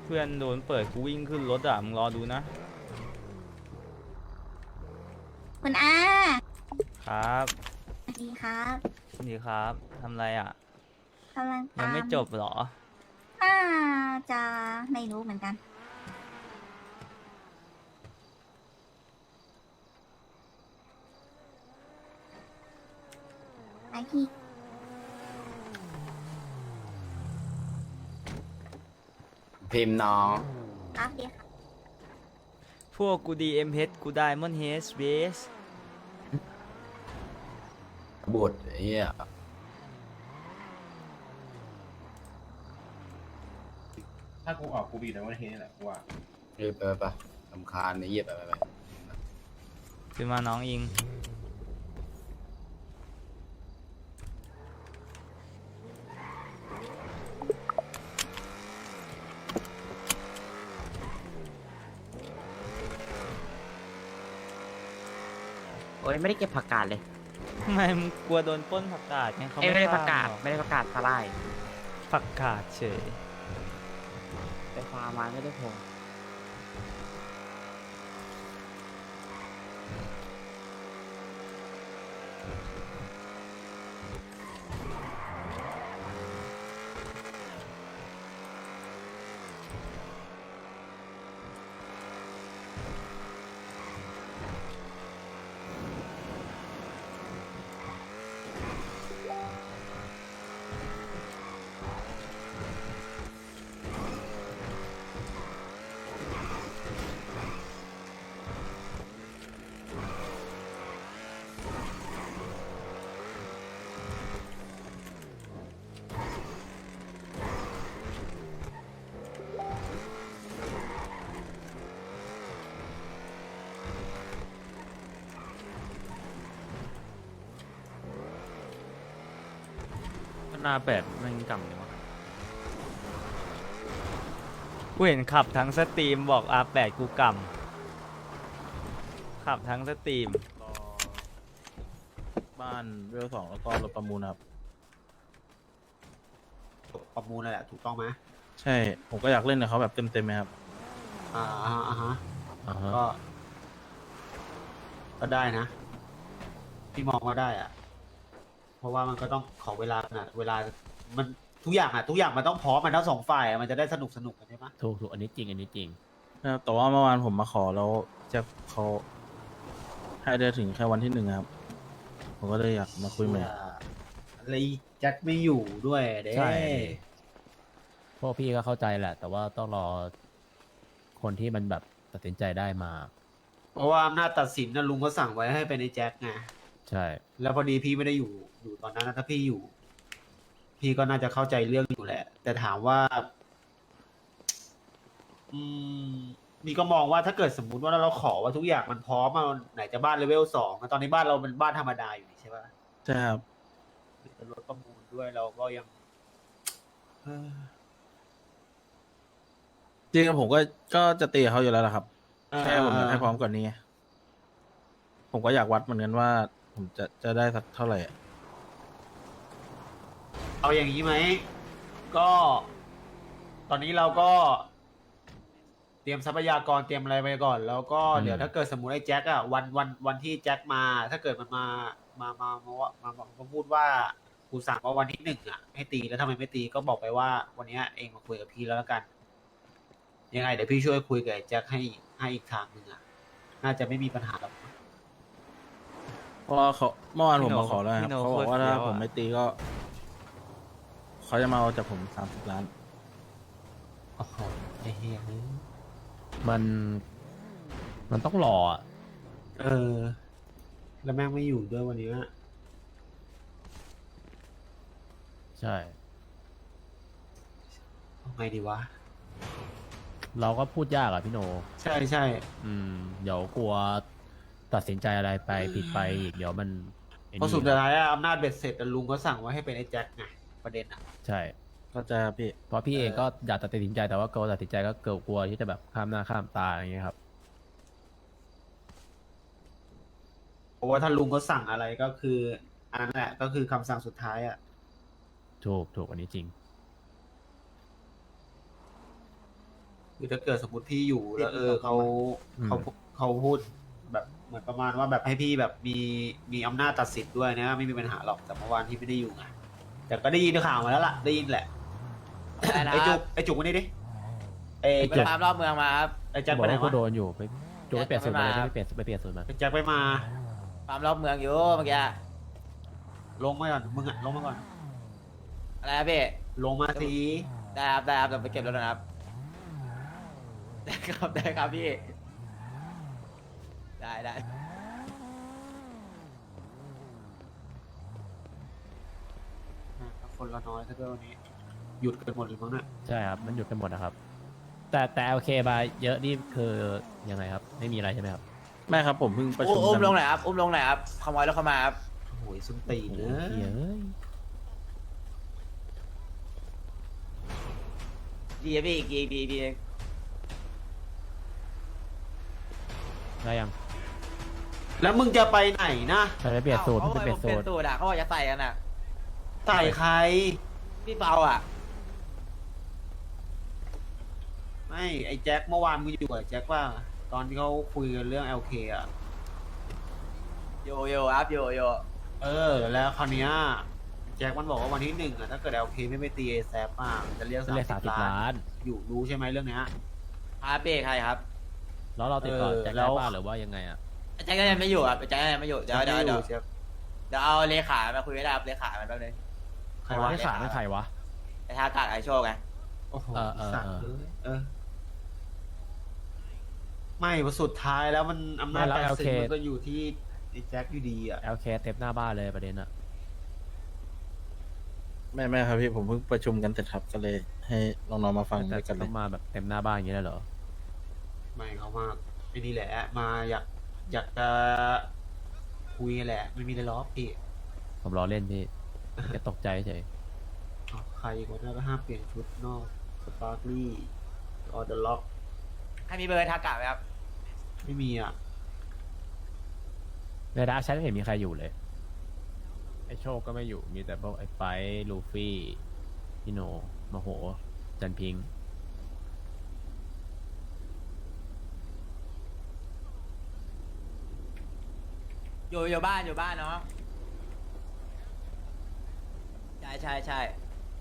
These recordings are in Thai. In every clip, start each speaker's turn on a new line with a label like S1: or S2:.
S1: เพื่อนโดนเปิดกูวิ่งขึ้นรถอ่ะมึงรอดูนะ
S2: คุณอา
S1: ครับ
S2: สวัสดีครับ
S1: นี่ครับทำไรอ่ะ
S2: กำลัง
S1: ยังไม่
S2: ตาม
S1: จบเหรอ
S2: น่าจะไม่รู้เหมือนกันไอพี่
S3: พิมพ์น้อง
S2: ครับดีครับ
S1: พวกกูดีเอ็มเฮดกูได้มอนเฮสเบส
S3: บุตรไอ้เหี้ย
S4: ถ้ากูออกกูบีแต่ว่าเฮนี่แหละกูว่า
S3: เฮ้ยไปสำคาญไอ้เหี้ยไป
S1: ขึ้นมาน้องอิง
S5: โอ้ยไม่ได้เก็บผักกาดเลย
S1: ทำไมมึงกลัวโดนปล้นผักกาดไงเขา
S5: ไม่ได้ผักกาด
S1: ฟร์มหรอ
S5: ไม่ได้ผักกาดสลาย
S1: ผักกาดเฉย
S5: ไปฟาร์มมาไม่ได้พง
S1: หน้าแปดมันกำเลยวะกูเห็นขับทั้งสตรีมบอก R8 กูกำขับทั้งสตรีม
S6: รอบ้านเวล2แล้วก็รถประมูลครับ
S7: ประมูลนั่นแหละถูกต้องไหม
S6: ใช่ผมก็อยากเล่นกับเขาแบบเต็มๆไหมครับ
S7: อ่าอ่าฮะ
S6: อ่าฮะ
S7: ก็ได้นะพี่มองว่าได้อะเพราะว่ามันก็ต้องขอเวลานะเวลามันทุกอย่างอะทุกอย่างมันต้องพร้อมมันทั้งสองฝ่ายอะมันจะได้สนุกกันใช่ไหม
S5: ถูกอันนี้จริงอันนี้จริง
S6: นะครับแต่ว่าเมื่อวานผมมาขอแล้วจะเขาให้ได้ถึงแค่วันที่1ครับ ผมก็เลยอยากมาคุยใหม่
S7: อะไรแจ็คไม่อยู่ด้วยเด้
S5: ใช่ พวกพี่ก็เข้าใจแหละ แต่ว่าต้องรอคนที่มันแบบตัดสินใจได้มา
S7: เพราะว่าอำนาจตัดสินนะลุงก็สั่งไว้ให้เป็นไอ้แจ็คไง
S5: ใช่
S7: แล้วพอดีพี่ไม่ได้อยู่ตอนนั้นนะถ้าพี่อยู่ พี่ก็น่าจะเข้าใจเรื่องอยู่แหละ แต่ถามว่า อืมนี่ก็มองว่าถ้าเกิดสมมุติว่าเราขอว่าทุกอย่างมันพร้อมอะไหนจะบ้านเลเวล2ตอนนี้บ้านเราเป็นบ้านธรรมดาอยู่นี่ใช่ปะ
S6: ใช่ครับ
S7: เป็นรถประมูลด้วยเราก็ยังเอ้อ
S6: จริงๆผมก็จะตีกับเขาอยู่แล้วล่ะครับแค่ผมอยากให้พร้อมกว่านี้ไงผมก็อยากวัดเหมือนกันว่าผมจะได้สักเท่าไหร่อะ
S7: เอาอย่างนี้ไหม ก็ ตอนนี้เราก็ เตรียมทรัพยากรเตรียมอะไรไปก่อน แล้วก็เดี๋ยวถ้าเกิดสมมติไอ้แจ็คอะวันที่แจ็คมา ถ้าเกิดมันมาพูดว่ากูสั่งว่าวันที่1อะให้ตีแล้วทำไมไม่ตีก็บอกไปว่า วันเนี้ยเองมาคุยกับพี่แล้วละกัน ยังไงเดี๋ยวพี่ช่วยคุยกับไอ้แจ็คให้อีกทางหนึ่งอะน่าจะไม่มีปัญหาหรอก
S6: เพราะว่าเขาเมื่อวานผมมาขอแล้วค
S1: พี่
S6: รับ
S1: โน
S6: เขาบอกว่า
S1: โคตรเฟี้
S6: ถ้า
S1: ยวอะ
S6: ผมไม่ตีก็เขาจะมาเอาจากผม30 ล้าน
S7: โอ้โหไอ้เหี้ยเอ้ย
S5: มันมันต้องรออะ
S7: เออ แล้วแม่งไม่อยู่ด้วยวันนี้
S5: ใช่
S7: เอาไงดีวะ
S5: เราก็พูดยากอะพี่โน
S7: ใช่
S5: เดี๋ยวกลัวตัดสินใจอะไรไปผิดไปอีกเดี๋ยวมันไอ้
S7: เพราะ
S5: นี่
S7: สุดท้ายอะอำนาจเบ็ดเสร็จอะลุงก็สั่งไว้ให้เป็นไอ้แจ็คไงประเด็นอะ
S5: ใช่
S6: เข้าใจครับพี่
S5: เพราะพี่เองก็อยากตัดสินใจแต่ว่ากลัวตัดสินใจก็กลัวที่จะแบบข้ามหน้าข้ามตาอย่างเงี้ยครับ
S7: เพราะว่าถ้าลุงเขาสั่งอะไรก็คืออันนั้นแหละก็คือคำสั่งสุดท้ายอะ
S5: ถูกอันนี้จริง
S7: คือถ้าเกิดสมมติพี่อยู่แล้วเขา
S5: อืม
S7: เขาพูดแบบเหมือนประมาณว่าแบบให้พี่แบบมีอำนาจตัดสินด้วยนะไม่มีปัญหาหรอกแต่เมื่อวานพี่ไม่ได้อยู่ไงแต่ก็ได้ยินข่าวมาแล้วล่ะได้ยินแหละ
S8: อะไรนะ
S7: ไอ้จุกมานี่ดิไอ้
S8: ไปตามรอบเมืองมาครับ
S7: ไอ้แจ็ค
S5: บ
S7: ไป
S5: อก
S7: ไหน
S5: ว่ากู
S7: วะ
S5: โดนอยู่ไปโจไปเปลี่ยนสูตรมาเลย
S8: แจ็ค
S5: ไปเปลี่ยนสูตรมา
S7: ไอ้แจ็คไปมา
S8: ตามรอบเมืองอยู่เมื่อกี้
S7: ลงมาก่อนมึงอะลงมาก่อน
S8: อะไรครับพี่
S7: ลงมาสิ
S8: ได้ครับได้ครับเดี๋ยวไปเก็บรถนะครับได้ครับได้ครับพี่ได้
S7: คนละน้อยซะด้วยวันนี้หยุดกันหมดเลยมั้งเนี่ย
S5: ใช่ครับมันหยุดกันหมดนะครับ แต่โอเคมาเยอะนี่คือยังไงครับ ไม่มีอะไรใช่ไหมครับ
S6: ไม่ครับผมเพิ่งประชุม
S8: อุ้ม
S6: กัน
S8: ลงหน่อยครับอุ้มลงหน่อยครับขโมยรถเข้ามาครับ
S7: โอ้ยส้นตีน
S5: โอ้
S7: เน
S5: โหเหี้ย
S7: อะ
S5: เอ้ย
S8: ดีครับพี่อีกดี
S5: ได้ยัง
S7: แล้วมึงจะไปไหนนะ
S5: ไปเปลี่ยนสูตร
S8: เขา
S5: ไป
S8: บอก
S5: เปลี่ยน
S8: ผม
S5: สู
S8: เปลี่ย
S5: ตร
S8: นสูตรอ่ะเขาบอกจะใส่กันอ่ะ
S7: ใส่ใคร
S8: พี่เปาอ่ะ
S7: ไม่ไอ้แจ็คเมื่อวานมึงอยู่กับแจ็คว่า ตอนที่เขาคุยกันเรื่อง LK อ่ะ
S8: โยครับโย
S7: แล้วคราวเนี้ยแจ็คมันบอกว่าวันที่ 1อ่ะถ้าเกิด LK ไม่ไปตีเอแซปอ่ะมันจะเรียก
S5: เรียก
S7: 30
S5: 30 ล้าน
S7: อยู่รู้ใช่ไหมเรื่องเนี้ย
S8: ครับพี่ใครครับ
S5: แล้วเราติดต่อแจ็ค
S7: แล้
S5: ได้
S7: ว
S5: ป่ะหรือว่ายังไงอ่ะ
S8: แจ็คก็ยังไม่อยู่ครับแจ็คก็ยังไม่อยู่เดี๋ยว
S7: ไม่อยู่แจ็ค
S8: เอาเลขามาคุยได้ครับเลขามันแป๊บนึง
S7: ใครวะ
S5: ไม่ขาดไม่ใครวะ
S8: ไอ้ท่ากาดไอโชคไง
S7: โอ้โห
S5: เออ
S7: สัตว์ไม่ว่าสุดท้ายแล้วมันอำนาจการสื่อมันก็อยู่ที่ไอ้แจ็คอยู่ดีอ่ะ
S5: LK เต็มหน้าบ้านเลยประเด็นอ่ะ
S6: ไม่ครับพี่ผมเพิ่งประชุมกันเสร็จครับก็เลยให้น้องๆมาฟัง
S5: แต่
S6: ด้วยกันเล
S5: ต้อย งมาแบบเต็มหน้าบ้านอย่างนี้เลยเหรอ
S7: ไม่เขามากไอ้นี่แหละ มาอยากจะคุยแหละ ไม่มีอะไรหรอกพี่
S5: ผมรอเล่นพี่แค่ตกใจเฉย
S7: อ้าวใครอีกคนนั้นก็ห้ามเปลี่ยนชุดนอกสปาร์คลี่ออเดอร์ล็อก
S8: ให้มีเบอร์ทากาดไหมครับ
S7: ไม่มีอ่ะ
S5: ในดาร์กแชทไม่เห็นมีใครอยู่เลย ไอโชคก็ไม่อยู่ มีแต่พวกไอไฟท์ลูฟี่พี่โนมโห จันพิงค์
S8: อยู่บ้านเนาะใช่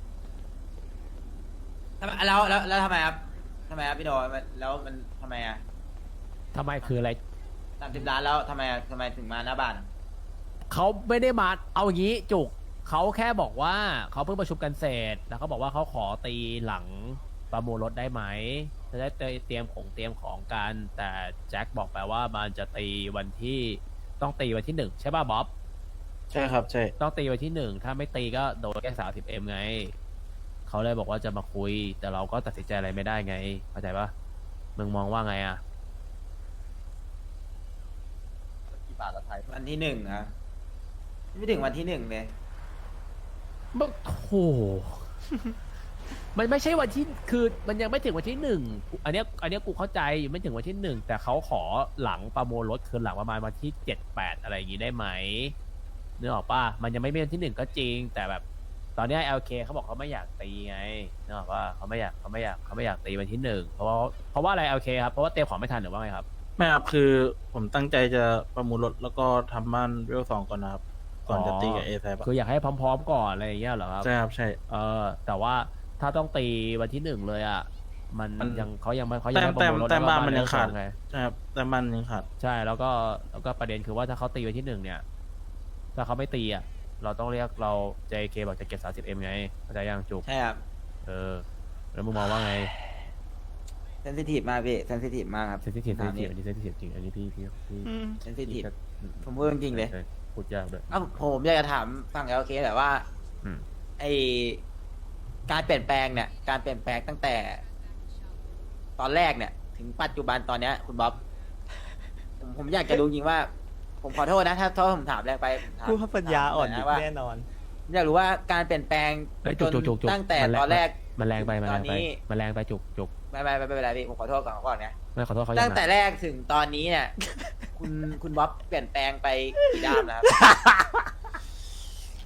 S8: ทำไมแล้วทำไมครับพี่โนแล้วมันทำไมอ่ะ
S5: ทำไมคืออะไร
S8: 30 ล้านแล้วทำไมถึงมาหน้าบ้าน
S5: เขาไม่ได้มาเอาอย่างนี้จุกเขาแค่บอกว่าเขาเพิ่งประชุมกันเสร็จแล้วเขาบอกว่าเขาขอตีหลังประมูลรถได้ไหมจะได้เตรียมของกัน แต่แจ็คบอกไปว่ามันจะตีวันที่ต้องตีวันที่1ใช่ป่ะบ๊อบ
S6: ใช่ครับใช่
S5: ต้องตีวันที่1ถ้าไม่ตีก็โดนแค่30M ไงเขาเลยบอกว่าจะมาคุย แต่เราก็ตัดสินใจอะไรไม่ได้ไงเข้าใจป่ะมึงมองว่าไงอ่ะ
S8: กี่บาทละไทยวันที่ 1นะไม่ถึงวันที่ 1เลย
S5: มันโห มันไม่ใช่วันที่คือมันยังไม่ถึงวันที่1อันเนี้ยกูเข้าใจอยู่ไม่ถึงวันที่1แต่เขาขอหลังประมูลรถคือหลังประมาณวันที่7-8อะไรอย่างงี้ได้ไหมนึกออกป่ะมันยังไม่เป็นวันที่1ก็จริง แต่แบบตอนเนี้ย LK เขาบอกเขาไม่อยากตีไงนึกออกป่ะเขาไม่อยากตีวันที่1เพราะว่าอะไร LK ครับเพราะว่าเตรียมของไม่ทันหรือว่าไงครับ
S6: ไม่ครับคือผมตั้งใจจะประมูลรถแล้วก็ทำบ้านเวล2ก่อนนะครับก่อนจะตีกับเอแซ
S5: คืออยากให้พร้อมๆก่อนอะไรอย่างเงี้ยเหรอครับ
S6: ใช่ครับใช่
S5: แต่ว่าถ้าต้องตีวันที่1เลยอ่ะมัน
S6: มัน
S5: ยังเขายังไม่
S6: แต้ม
S5: ประมูลรถ
S6: แต้มบ้านมัน
S5: แล้ว
S6: ยังขาด
S5: ไง
S6: ใช่ครับแต่บ้านยังขาด
S5: ใช่แล้วก็ประเด็นคือว่าถ้าเขาตีวันที่1เนี่ยถ้าเขาไม่ตีอ่ะเราต้องเรียกเรา JK บอกจะเก็บ 30M ไงเข้าใจยังจุก
S8: ใช่ครับ
S5: แล้วมึงมองว่าไง
S8: เซนซิทีฟมากพี่เซนซิทีฟมากครับ
S5: เซนซิทีฟอันนี้เซนซิทีฟจริงอันนี้พี่
S8: เซนซิทีฟ
S5: ก็
S8: ผมพูดจริงๆเลย
S5: พูดยากด้วย
S8: อ้าวผมอยากจะถามฝั่ง LK แต่ว่า
S5: อืม
S8: ไอการเปลี่ยนแปลงเนี่ยการเปลี่ยนแปลงตั้งแต่ ตอนแรกเนี่ย ถึงปัจจุบันตอนเนี้ย คุณบ๊อบ ผมอยากจะรู้จริงว่า ผมขอโทษนะถ้าผมถามแรงไปผมถาม
S1: กูว่าปัญญาอ่อน
S8: ถม
S1: อยู่
S8: หยว่า
S1: แน่นอน
S8: ผมอยากรู้ว่าการเปลี่ยนแปลง
S5: เฮ้ย
S8: จน
S5: จุกๆๆ
S8: ตั้งแต่
S5: มันแรง
S8: ตอนแรก
S5: มันแรงไป
S8: ตอนนี้
S5: มันแรงไปจุก
S8: ไม่เป็นไรพี่ผมขอโทษก่อนนะ
S5: ไม่ขอโทษเขายัง
S8: ตั้งแต่
S5: นะ
S8: แรกถึงตอนนี้เนี่ย คุณบ๊อบเปลี่ยนแปลงไปกี่ด้ามแล้วครับ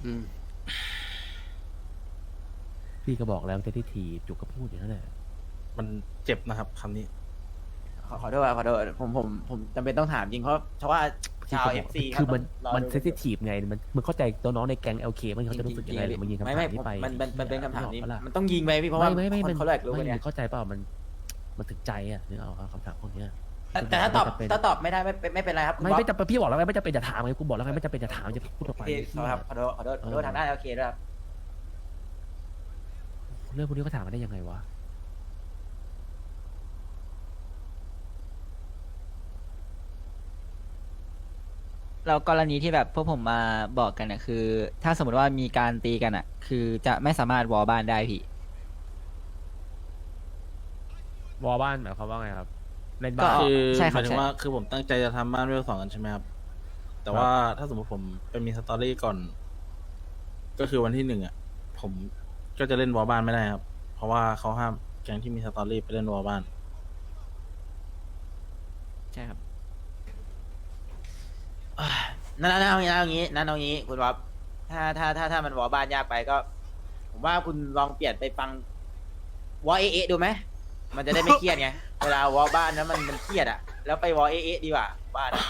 S5: พี่ก็บอกแล้วเซนซิทีฟจุกก็พูดอย่างนั้นแหละ
S6: มันเจ็บนะครับคำนี้
S8: ขอโทษครับขอโทษผมจำเป็นต้องถามจริงเพราะว่าชาว FC
S5: คือมันเซนซิทีฟไงมันเข้าใจตัวน้องในแก๊ง LK มันเขาจะรู้สึกยังไงหรือมันยิงคำถามนี้ไป
S8: มันเป็นคำถามนี้
S5: นึกออกปะล่ะ
S8: มันต้องยิงไปพี่เพราะว่า
S5: ไม่
S8: คนเขาแหลกรู้กัน
S5: ไม่
S8: เนี่ย
S5: เข้าใจเปล่ามันถึงใจอ่ะนึกเอาคำถามพวกเนี้ย
S8: แต่ถ้าตอบไม่ได้ไม่เป็นไรครับคุณบ๊อบ
S5: ไม่จำเป็นพี่บอกแล้วไงไม่จำเป็นจะถามไงกูบอกแล้วไงไม่จำเป็นจะถามจะพูดออกไป
S8: พี่ครับขอโทษทางด้าน LK ด้วยครับ
S5: เรื่องพวกนี้ก็ถามมาได้ยังไงวะ
S1: เรากรณีที่แบบพวกผมมาบอกกันเนี่ยคือ ถ้าสมมติว่ามีการตีกันอ่ะ คือจะไม่สามารถวอลบ้านได้พี่
S5: วอลบ้านหมายความว่าไงครับเล่น
S1: ก็
S5: บ้าน
S6: คือ
S1: ใช่ครับ
S6: หมายถึงว่าคือผมตั้งใจจะทำบ้านเวล2กันใช่ไหมครับ แต่ว่าถ้าสมมติผมไปมีสตอรี่ก่อน ก็คือวันที่1อ่ะ ผมก็จะเล่นวอลบ้านไม่ได้ครับ เพราะว่าเขาห้ามแก๊งที่มีสตอรี่ไปเล่นวอลบ้าน
S1: ใช่ครับ
S8: นั่นเอางี้คุณบ๊อบถ้ามันวอลบ้านยากไปก็ ผมว่าคุณลองเปลี่ยนไปฟังวอลเอดูไหมมันจะได้ไม่เครียดไง เวลาวอลบ้านนั้นมันเครียดอ่ะแล้วไปวอลเอดีกว่าบ้านอะ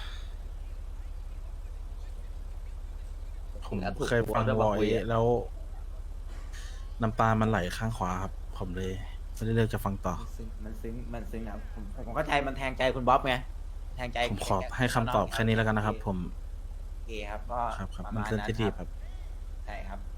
S6: ผมเคยฟังวอลแล้วน้ำตามันไหลข้างขวาครับ ผมเลยไม่ได้เลือกจะฟังต่อ
S8: มันซึ้งนะครับผมเข้าใจมันแทงใจคุณบ๊อบไงแทงใจ
S6: ผมขอให้คำตอบแค่นี้แล้วกันนะครับ ผม
S8: โอเคครับก็
S6: ครับ
S8: ประ
S6: มัน
S8: มาณ
S6: เซน
S8: นั้น
S6: ซิทีฟ
S8: ค
S6: ครับ รับ
S8: ใช่ครับ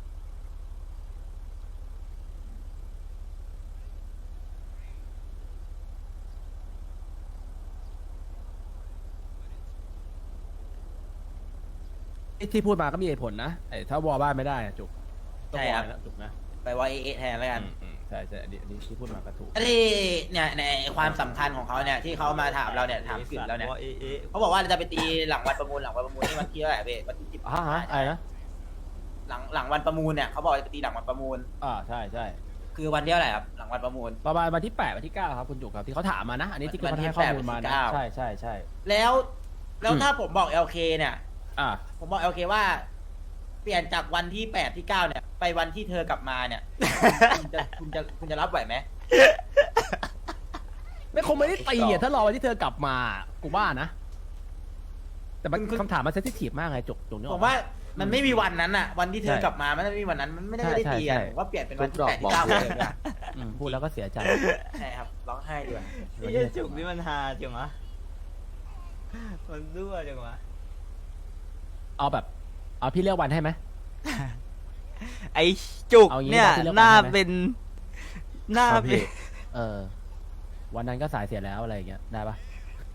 S5: ที่พูดมาก็มีเหตุผลนะไอ้ถ้าวอลบ้านไม่ได้อะจุกต้อง
S8: ใช่
S5: วอ
S8: ครับ
S5: ลนะจุกนะ
S8: ไปวอลเอแทนแล้วกัน
S5: ใช่อันนี้ที่พูดมาก็ถูก
S8: ที่เนี่ยในความสำคัญของเขาเนี่ยที่เขามาถามเราเนี่ยถามกึ่นเราเนี่ยเขาบอกว่าจะไปตีหลังวันประมูลนี่วันที่เท่าไหร่เว้ยวันที่10
S5: อะไรนะ
S8: หลังวันประมูลเนี่ยเขาบอกจะไปตีหลังวันประมูล
S5: ใช่
S8: คือวันที่เท่าไหร่ครับหลังวันประมูล
S5: ประมาณวันที่8วันที่9ครับคุณจุกครับที่เขาถามมานะ อันนี้ที่เขาให้ข้อมูลมานะ
S8: วันที่8
S5: ใช่
S8: แล้วถ้าผมบอก LK เนี่ย
S5: อ่า
S8: ผมบอก LK ว่า เปลี่ยนจากวันที่8ที่9เนี่ยไปวันที่เธอกลับมาเนี่ย คุณจะรับไหวไหม
S5: ไม่คงไม่ได้ตีอ่ะถ้ารอวันที่เธอกลับมากูว่านะ แต่มันคำถามมันเซนซิทีฟมากไงจุกเนี่ย
S8: ผมว่ามันไม่มีวันนั้นอะวันที่เธอกลับมามันไม่มีวันนั้นมันไม่ได้ตีกันผมว่าเปลี่ยนเป็นวันที่8ที่9เลยดีกว่า
S5: พูดแล้วก็เสียใจ
S8: ใช่ครับร้องไห้ดีกว่า
S1: ไอ้เหี้ยจุกนี่มันฮาจังวะมันรั่วจังวะ
S5: เอาพี่เลือกวันให้ไหม
S1: ไอ้จุก
S5: เอางี้
S1: เนี่ย
S5: นะที่เลือก
S1: หน้า
S5: วันใช่ไหม
S1: เป็นหน้า
S6: ครับ
S1: เป็
S6: พี่
S1: น
S5: วันนั้นก็สายเสียแล้วอะไรอย่างเงี้ยได้ปะ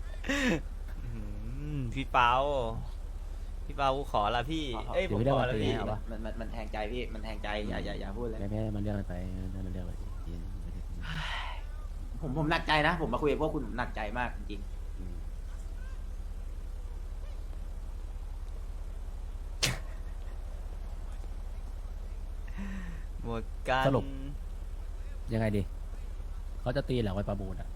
S1: พี่เปากูขอละพี่ เอ้ยผมขอละพี่
S5: เอาปะ
S8: มันแทงใจพี่มันแทงใจอย่าพูดเลย
S5: ไม่มันเลือกกันไปมันเลือกไป
S8: ผมหนักใจนะ ผมมาคุยกับพวกคุณหนักใจมากจริง
S1: หมดกัน
S5: สรุป ยังไงดีเขาจะตีหลังวันประมูลอ่ะ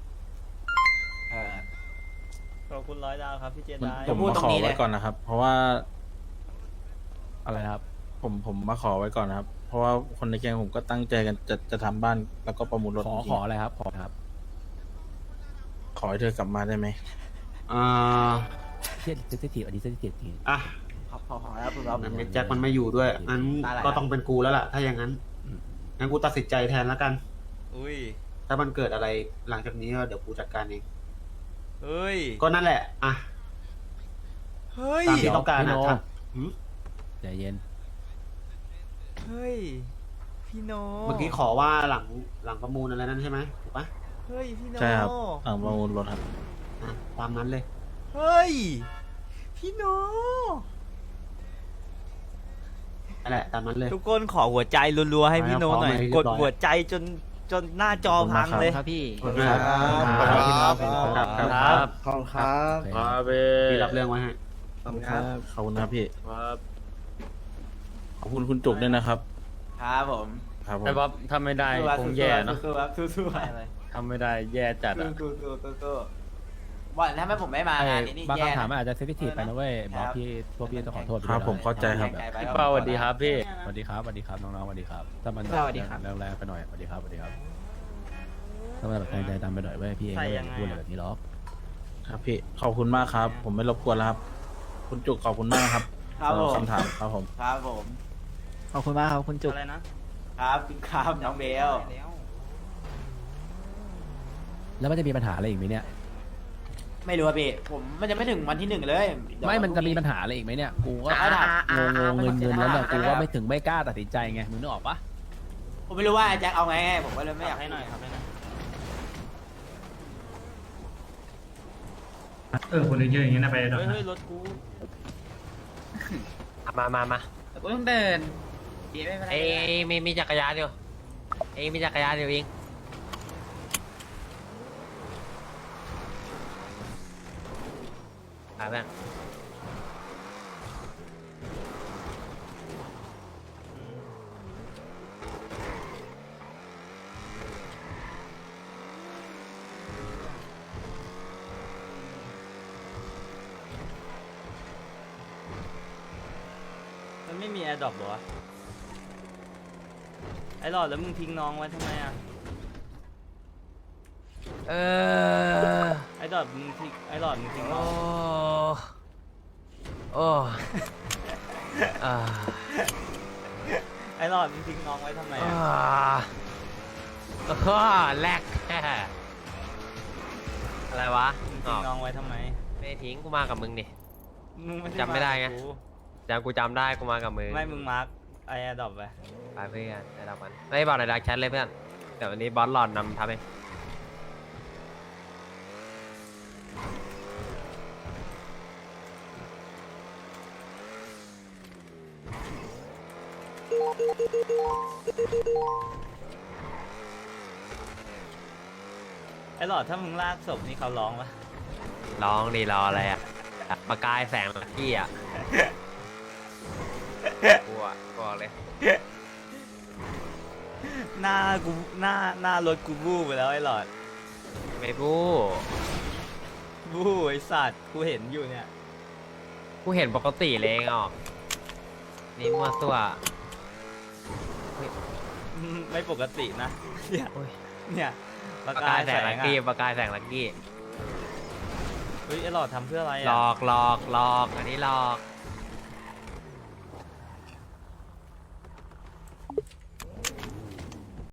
S1: ขอบคุณ100 ดาวครับพี่เจได
S6: ผมมาขอไว้ก่อนนะครับ เพราะว่า
S5: อะไรนะครับ
S6: ผมมาขอไว้ก่อนนะครับ เพราะว่าคนในแก๊งผมก็ตั้งใจกันจะทำบ้านแล้วก็ประมูลรถจริง
S5: ขออะไรครับขอครับ
S6: ขอให้เธอกลับมาได้ไหม
S5: เซนซิทีฟอันนี้เซนซิทีฟจริง
S7: อ่ะ
S8: พอแล้วคุณบ๊อบ
S7: แจ็คมันไม่อยู่ด้วยงั้น
S8: ตาไหล
S7: ก็ต้องเป็นกูแล้วล่ะ ถ้าอย่างนั้นงั้นกูตัดสินใจแทนแล้วกัน
S1: อุ้ย
S7: ถ้ามันเกิดอะไรหลังจากนี้ก็เดี๋ยวกูจัดการเอง
S1: เฮ้ย
S7: ก็นั่นแหละอ่ะ
S1: เฮ้ย
S7: ตามที่ต้องการ
S5: พี่
S7: นะ
S5: โน
S7: ครับ
S5: ใจเย็น
S1: เฮ้ยพี่โน
S7: เมื่อกี้ขอว่าหลังประมูลอะไรนั่นใช่ไหมถูกปะ
S1: เฮ้ยพี่โน
S6: ใช่ครับประมูลรถครับ
S7: อ่ะตามนั้นเลย
S1: เฮ้ยพี่โน
S7: นั่นแหละตามนั้นเลย
S1: ทุกคนขอหัวใจรัวๆให้พี่โนหน่อย
S7: พร้อมเลย
S1: กด
S7: เรียบร้อย
S1: หัวใจจนหน้าจอพังเลย
S5: ครับพี่
S7: ขอบคุณครับ
S1: ครับ
S6: ขอบคุณครับ
S7: พี่รับเรื่องไว้ให้
S6: ขอบคุณครับขอบคุณครับพี่ขอบคุณคุณจุกด้วยนะครับ
S8: ครับผม
S6: ครับผม
S9: แต่ว่าถ้าไม่ได้คงแย่เนอะ
S8: สู้ๆครับสู้ๆครับ
S9: ทำไม่ได้แย่จัดอ่ะ
S8: สู้ๆว่าถ้าไม่ผมไม่มางานนี้นี่
S5: บาง
S8: แย่
S5: คำถาม
S8: นะ
S5: มันอาจจะเซนซิทีฟไปนะเว้ยบอสพี่พวกพี่ต้องขอโทษ
S6: ครับผมเข้าใจครับ
S9: พี่เป้าสวัสดีครับพี่
S5: สวัสดีครับน้องๆสวัสดีครับถ้ามัน
S8: สวัสดีครับ
S5: แรงๆไปหน่อยสวัสดีครับถ้าแบบใจดำไปหน่อยเว้ยพี่เองก็ไม่พูดอะไรแบบนี้หรอก
S6: ครับพี่ขอบคุณมากครับ ผมไม่รบกวนแล้วครับ คุณจุกขอบคุณมากนะครับ
S8: ครับผม
S6: สำหคำถามครับผม
S8: ครับผม
S1: ขอบคุณมากครับคุณจุก
S9: อะไรนะ
S8: ครับครับน้องเบล
S5: แล้วมันจะมีปัญหาอะไรอีกไหมเนี่ย
S8: ไม่รู้อะพี่ผมมันจะไม่ถึงวันที่ 1เลยเดี๋ยว
S5: ไม่มันจะมี
S8: พรุ่ง
S5: ปัญหาอะไรอีกไหมเนี่ยกูก็
S8: เอาถาม
S5: งงเงินแล้วเนี่ย
S8: เอา
S5: กู
S8: ถาม
S5: ว่าไม่ถึงไม่กล้าตัดสินใจไงมึงนึกออกปะ
S8: ผมไม่รู้ว่าไอ้แจ็คเอาไงผมก็เลยไม่อยาก
S9: ให้หน่อยครับให้หน่อย
S4: คนเยอะๆอย่างนี้นะไปดอก
S9: เฮ้ยรถกู มาแต่กูต้องเดินเอ้มีจักรยานอยู่มีจักรยานอยู่เองไปแม่งมันไม่มีแอร์ดรอปหรอวะไอ้หลอดแล้วมึงทิ้งน้องไว้ทำไมอ่ะไอ้หลอดมึงทิ้งน้องไอ้หลอดมึงทิ้งน้องไว้ทำไมอ่ะแลกอะไรวะมึงทิ้งน้องไว้ทำไมไม่ทิ้งกูมากับมึงดิมึงจำไม่ได้ไงกูจำได้กูมากับมึงไม่มึงมาร์กไอ้ดอปไปเพื่อนไอ้ดอปมันไม่บอกในดักแชทเลยเพื่อนเดี๋ยววันนี้บอสหลอดนำทำเองไอ้หลอดถ้ามึงลากศพนี่เขาร้องปะร้องดีรออะไรอ่ะประกายแสงลักกี้อ่ะกลัวเลย หน้ารถกูบู้ไปแล้วไอ้หลอดไม่บู้ไอ้สัตว์กูเห็นอยู่เนี่ยกูเห็นปกติเลยอ่ะนี่มั่วตัวไม่ปกตินะเนี่ยประกายแสงลักกี้เฮ้ยไอ้หลอดทำเพื่ออะไรอ่ะหลอกอันนี้หลอก